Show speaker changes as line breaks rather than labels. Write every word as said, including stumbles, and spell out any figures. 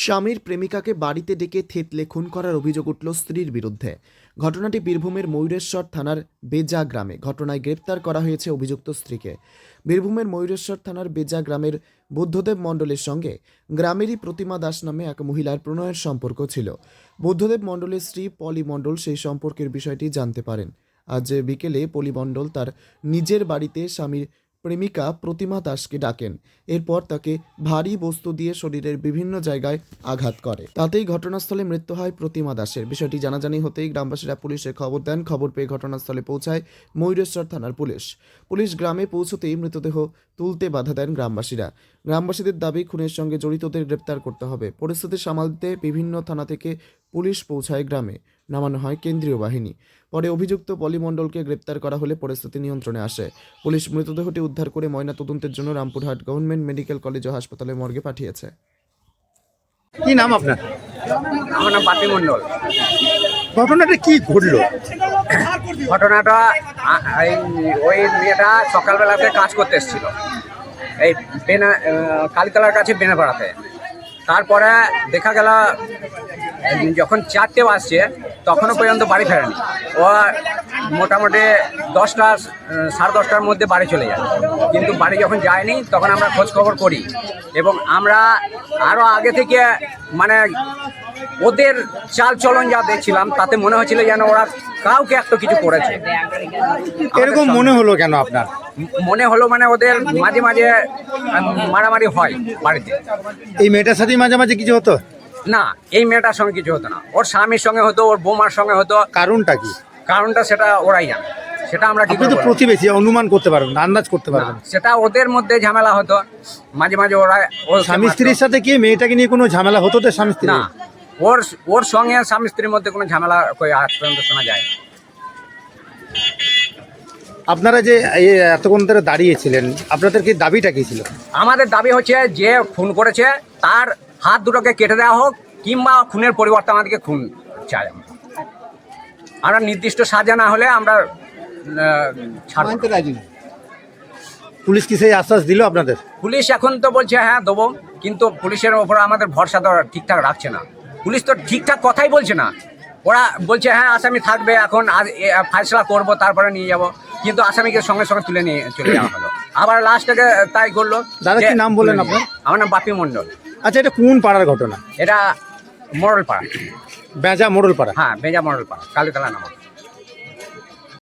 স্বামীর প্রেমিকাকে বাড়িতে ডেকে থেতলে খুন করার অভিযোগ উঠল স্ত্রীর বিরুদ্ধে। ঘটনাটি বীরভূমের ময়ূরেশ্বর থানার বেজা গ্রামে। ঘটনায় গ্রেপ্তার করা হয়েছে অভিযুক্ত স্ত্রীকে। বীরভূমের ময়ূরেশ্বর থানার বেজা গ্রামের বুদ্ধদেব মণ্ডলের সঙ্গে গ্রামেরই প্রতিমা দাস নামে এক মহিলার প্রণয়ের সম্পর্ক ছিল। বুদ্ধদেব মণ্ডলের স্ত্রী পলি মণ্ডল সেই সম্পর্কের বিষয়টি জানতে পারেন। আজ বিকেলে পলি মণ্ডল তার নিজের বাড়িতে স্বামীর প্রেমিকা প্রতিমা দাসকে ডাকেন। এরপর তাকে ভারী বস্তু দিয়ে শরীরের বিভিন্ন জায়গায় আঘাত করে। তাতেই ঘটনাস্থলে মৃত্যু হয় প্রতিমা দাসের। বিষয়টি জানাজানি হতেই গ্রামবাসীরা পুলিশে খবর দেন। খবর পেয়ে ঘটনাস্থলে পৌঁছায় ময়ূরেশ্বর থানার পুলিশ। পুলিশ গ্রামে পৌঁছতেই মৃতদেহ তুলতে বাধা দেন গ্রামবাসীরা। গ্রামবাসীদের দাবি, খুনের সঙ্গে জড়িতদের গ্রেপ্তার করতে হবে। পরিস্থিতি সামালতে বিভিন্ন থানা থেকে পুলিশ পৌঁছায় গ্রামে। নামানো হয় কেন্দ্রীয় বাহিনী। পরে অভিযুক্ত পলি মণ্ডলকে গ্রেপ্তার করা হলে পরিস্থিতি নিয়ন্ত্রণে আসে। পুলিশ মৃতদেহটি উদ্ধার করে ময়নাতদন্তের জন্য রামপুরহাট গভর্নমেন্ট মেডিকেল কলেজ ও হাসপাতালে মর্গে পাঠিয়েছে।
কি নাম আপনার?
আমার নাম বাপি মণ্ডল।
ঘটনাটা কি ঘটলো?
ঘটনাটা আ- এই ওই মেয়েটা সকালবেলাতে কাজ করতে এসেছিল এই বেনা আহ, কালীতলার কাছে বেনাপাড়াতে। তারপরে দেখা গেল যখন চারটে বাজছে তখনও পর্যন্ত বাড়ি ফেরেনি। ও মোটামুটি দশটা আহ, সাড়ে দশটার মধ্যে বাড়ি চলে যায়, কিন্তু বাড়ি যখন যায়নি তখন আমরা খোঁজ খবর করি এবং আমরা আরও আগে থেকে মানে ওদের চাল চলন যা দেখছিলাম তাতে মনে হচ্ছিল যেন ওরা কাউকে একটা কিছু করেছে।
এরকম মনে হলো কেন আপনার?
মনে হলো মানে ওদের মাঝে মাঝে উম, মারামারি হয় বাড়িতে।
এই মেয়েটার সাথে মাঝে মাঝে কিছু হতো?
না, এই মেয়েটার সঙ্গে কিছু হতো না, ওর স্বামীর সঙ্গে হতো, ওর বৌমার সঙ্গে হতো।
কারণটা কি?
কারণটা সেটা ওরাই জানে, সেটা আমরা কি
আপনি
করে
তো
বলবো?
প্রতিবেশী, অনুমান করতে পারবেন না, আন্দাজ করতে
না,
পারবেন না।
সেটা ওদের মধ্যে ঝামেলা হতো মাঝে মাঝে। ওরা ওর
স্বামী স্ত্রীর সাথে কি মেয়েটাকে নিয়ে কোনো ঝামেলা হতো? তো স্বামী স্ত্রী
না, ওর ওর সঙ্গে স্বামী স্ত্রীর মধ্যে কোনো ঝামেলা কই আজ পর্যন্ত শোনা যায় না।
আপনারা যে এই এতক্ষণ ধরে দাঁড়িয়েছিলেন, আপনাদের কি দাবিটা কি ছিল?
আমাদের দাবি হচ্ছে যে খুন করেছে তার হাত দুটোকে কেটে দেওয়া হোক, কিংবা খুনের পরিবর্তে আমাদেরকে খুন চাই। আমরা আমরা নির্দিষ্ট সাজা না হলে আমরা আহ, ছাড়ব না।
পুলিশ কি সেই আশ্বাস দিল আপনাদের?
পুলিশ এখন তো বলছে হ্যাঁ দেবো, কিন্তু পুলিশের ওপর আমাদের ভরসা তো ঠিকঠাক রাখছে না। পুলিশ তো ঠিকঠাক কথাই বলছে না। ওরা বলছে হ্যাঁ আসামি থাকবে, এখন আজ এ, ফয়সলা করবো তারপরে নিয়ে যাব, কিন্তু আসামিকে সঙ্গে সঙ্গে তুলে নিয়ে চলে যাওয়া হলো। আবার লাস্টে তাই করলো।
দাদা,
যে
কি নাম বললেন আপনার?
আমার নাম বাপি মণ্ডল।
আচ্ছা, এটা কোন পাড়ার ঘটনা?
এটা মোড়লপাড়া।
বেজা মোড়লপাড়া।
হ্যাঁ, বেজা মোড়লপাড়া, কালীতলা নামক।